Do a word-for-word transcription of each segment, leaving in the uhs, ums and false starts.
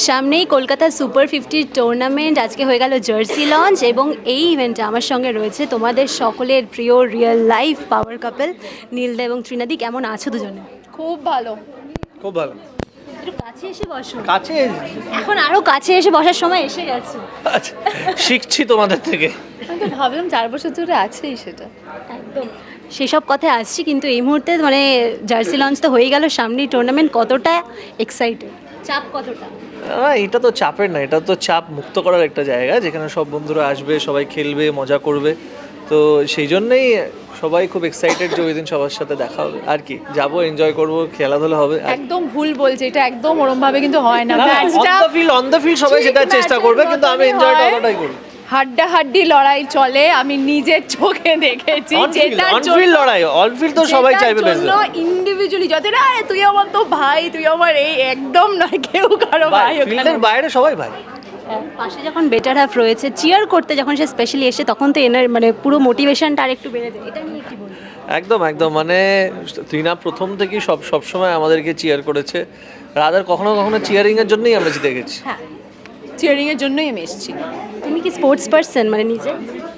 সামনেই Kolkata super fifty tournament আজকে হয়ে গেল জার্সি লঞ্চ এবং এই ইভেন্টে আমার সঙ্গে রয়েছে তোমাদের সকলের প্রিয় রিয়েল লাইফ পাওয়ার কাপল নীলদা এবং ত্রিনাদি। কেমন আছো দুজনে? খুব ভালো। খুব ভালো। একটু কাছে এসে বসো। কাছে এখন আরো কাছে এসে বসার সময় এসে গেছে। আচ্ছা, শিখছি তোমাদের থেকে। আমি তো ভাবলাম চার বছর ধরে আছেই সেটা। একদম সেসব কথায় আসছি, কিন্তু এই মুহূর্তে মানে জার্সি লঞ্চ তো হয়ে গেল, সামনেই টুর্নামেন্ট, কতটা এক্সাইটেড, চাপ কতটা? না, এটা তো চাপের না, এটা তো চাপ মুক্ত করার একটা জায়গা যেখানে সব বন্ধুরা আসবে, সবাই খেলবে, মজা করবে। তো সেই জন্যই সবাই খুব এক্সাইটেড যে ওই দিন সবার সাথে দেখা হবে। আর কি, যাবো, এনজয় করবো, খেলাধুলা হবে। একদম ভুল বলছে, এটা একদম ওরম ভাবে কিন্তু হয় না। অন ম্যাচটা the field on the field সবাই সেটা চেষ্টা করবে, কিন্তু আমি এনজয় করাটাই করব। হাড্ডা হাড্ডি লড়াই চলে, আমি নিজের চোখে দেখেছি। যেটার অন ফিল্ড লড়াই, অন ফিল্ড তো সবাই চাইবে বেশ। ইন্ডিভিজুয়ালি যত না, তুই আমার তো ভাই, তুই আমার এই, একদম নয়, কেউ কারো ভাই ওখানে। ফিল্ডের বাইরে সবাই ভাই। পাশে যখন বেটার হাফ রয়েছে, চিয়ার করতে যখন সে স্পেশালি এসে, তখন তো এনার মানে পুরো মোটিভেশনটা আর একটু বেড়ে যায়। এটা নিয়ে কি বলবো? একদম একদম, মানে ত্রিনা প্রথম থেকেই সব সবসময় আমাদেরকে চিয়ার করেছে। রাদার কখনো কখনো চিয়ারিং এর জন্যই আমরা জিতে গেছি। হ্যাঁ, চিয়ারিং এর জন্যই আমি এসেছি। তুমি কি স্পোর্টস পারসন, মানে নিজে?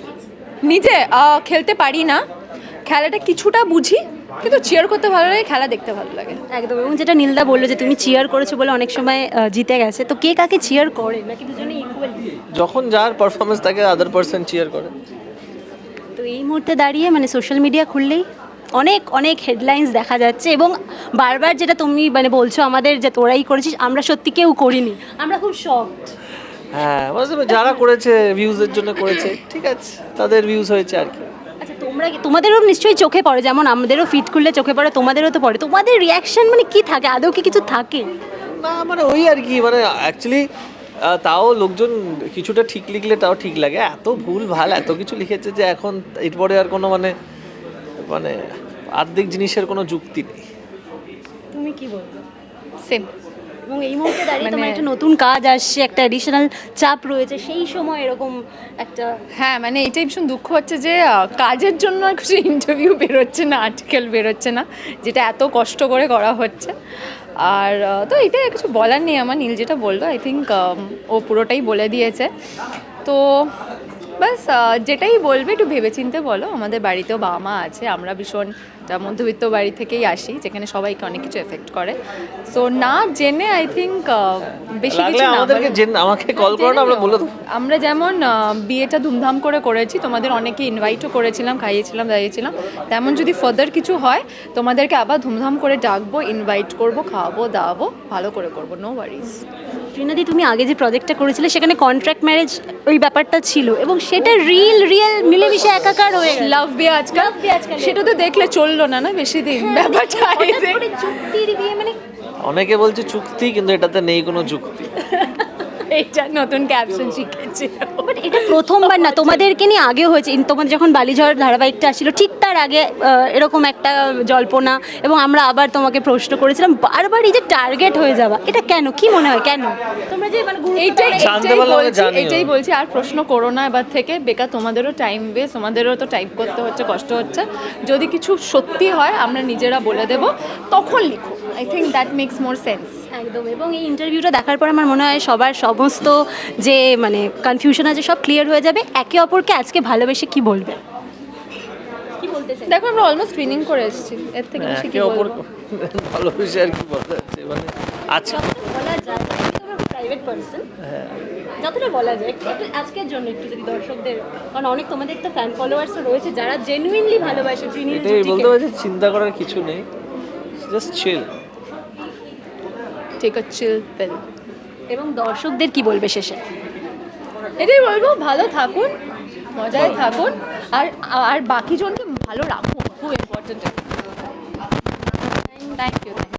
নিজে আহ, খেলতে পারি না, খেলাটা কিছুটা বুঝি, কিন্তু চিয়ার করতে ভালো লাগে, খেলা দেখতে ভালো লাগে। একদম। এবং যেটা নীলদা বললো যে তুমি চিয়ার করেছো বলে অনেক সময় আহ, জিতে গেছে, তো কে কাকে চিয়ার করে, নাকি দুজনে ইকুয়ালি? যখন যার পারফরমেন্স থাকে আদার পারসন চিয়ার করে। তো এই মুহূর্তে দাঁড়িয়ে মানে সোশ্যাল মিডিয়া খুললেই অনেক অনেক হেডলাইন্স দেখা যাচ্ছে, এবং বারবার যেটা তুমি মানে বলছো আমাদের যে তোরাই করেছিস, আমরা সত্যি কেউ করিনি, আমরা খুব শকড। হ্যাঁ, বুঝতে পেরেছি, যারা করেছে ভিউজের জন্য করেছে, ঠিক আছে, তাদের ভিউজ হয়েছে আর কি। আচ্ছা, তোমরা কি- তোমাদেরও নিশ্চয়ই চোখে পড়ে, যেমন আমাদেরও ফিট খুললে চোখে পড়ে, তোমাদেরও তো পড়ে। তোমাদের রিয়াকশন মানে কি থাকে, আদৌ কি কিছু থাকে? না, মানে ওই আর কি, মানে অ্যাকচুয়ালি তাও লোকজন কিছুটা ঠিক লিখলে তাও ঠিক লাগে। এত ভুল ভাল এত কিছু লিখেছে যে এখন এরপরে আর কোনো মানে মানে আর্ধেক জিনিসের কোনো যুক্তি নেই। তুমি কি বলবো? সেম। এবং এই মুহূর্তে দাঁড়িয়ে মানে- তোমার একটা নতুন কাজ আসছে, একটা অ্যাডিশনাল চাপ রয়েছে, সেই সময় এরকম একটা হ্যাঁ, মানে এটাই ভীষণ দুঃখ হচ্ছে যে আহ, কাজের জন্য আর কিছু ইন্টারভিউ বেরোচ্ছে না, আর্টিকেল বেরোচ্ছে না, যেটা এত কষ্ট করে করা হচ্ছে। আর আহ, তো এটা কিছু বলার নেই আমার। নীল যেটা বললো, আই থিঙ্ক ও পুরোটাই বলে দিয়েছে। তো বাস যেটাই বলবে একটু ভেবেচিন্তে বলো। আমাদের বাড়িতেও বাবা মা আছে, আমরা ভীষণ একটা মধ্যবিত্ত বাড়ি থেকেই আসি, যেখানে সবাইকে অনেক কিছু এফেক্ট করে। সো না জেনে আই থিঙ্ক বেশি লাগলে কিছু না আমাদেরকে বলে- জেনে আমাকে কল করো না, আমরা বলে দেবো। আমরা যেমন আহ, বিয়েটা ধুমধাম করে করেছি, তোমাদের অনেকে ইনভাইটও করেছিলাম, খাইয়েছিলাম, দাঁড়িয়েছিলাম, তেমন যদি ফার্দার কিছু হয় তোমাদেরকে আবার ধুমধাম করে ডাকবো, ইনভাইট করবো, খাওয়াবো দাওয়াবো, ভালো করে করবো, নো ওয়ারিজ। ত্রিনাদি, তুমি আগে যে প্রজেক্টটা করেছিলে সেখানে কন্ট্রাক্ট ম্যারেজ ওই ব্যাপারটা ছিল, এবং সেটা রিল রিয়েল মিলেমিশে একাকার হয়ে গেল। লাভ বিয়ে আজকাল, Love বিয়ে আজকাল। সেটা তো দেখলে চললো না না বেশি দিন ব্যাপারটা। হঠাৎ করে চুক্তির বিয়ে, মানে অনেকে বলছে চুক্তি, কিন্তু এটাতে নেই কোনো যুক্তি। এইটা নতুন ক্যাপশন শিখেছি। বাট এটা প্রথমবার না, তোমাদেরকে নিয়ে আগেও হয়েছে। ইন- তোমাদের যখন বালিঝড় ধারাবাহিকটা আসছিল ঠিক তার আগে আহ, এরকম একটা জল্পনা, এবং আমরা আবার তোমাকে প্রশ্ন করেছিলাম বারবার, এই যে টার্গেট হয়ে যাওয়া, এটা কেন, কি মনে হয় কেন? তোমরা যে মানে গুরুত্ব এইটাই দাও- জানতে এইটাই পারলে আমাকে বলছি, জানিও। এইটাই বলছি, আর প্রশ্ন করো না এবার থেকে। বেকার তোমাদেরও টাইম ওয়েস্ট, তোমাদেরও তো টাইপ করতে হচ্ছে, কষ্ট হচ্ছে। যদি কিছু সত্যি হয় আমরা নিজেরা বলে দেব, তখন লিখো। I think that makes more sense. একদম। এবং এই ইন্টারভিউটা দেখার পর আমার মনে হয় সবার সমস্ত যে মানে কনফিউশন আছে সব ক্লিয়ার হয়ে যাবে। একে অপরকে আজকে ভালোবেসে কি বলবে, কি বলতে চাই? দেখো, আমরা অলমোস্ট ট্রেনিং করে এসেছি, এর থেকে বেশি কি একে অপর বলবো? ভালোবেসে আর কি বলা যাচ্ছে, মানে আজকে যতটা বলা যায়, প্রাইভেট পার্সন, যতটা বলা যায় একটু একটু আজকের জন্য একটু যদি দর্শকদের, কারণ অনেক তোমাদের তো ফ্যান ফলোয়ার্সও রয়েছে যারা জেনুইনলি ভালোবাসে ত্রিনীল এটাই বলতে জুটিকে। পারছি, চিন্তা করার কিছু নেই, জাস্ট চিল। টেক আ চিল পিল। এবং দর্শকদের কি বলবে শেষে? এটাই বলবো, ভালো থাকুন, মজায় থাকুন, আর আর বাকি জনকে ভালো রাখুন, খুব ইম্পর্টেন্ট। Thank you.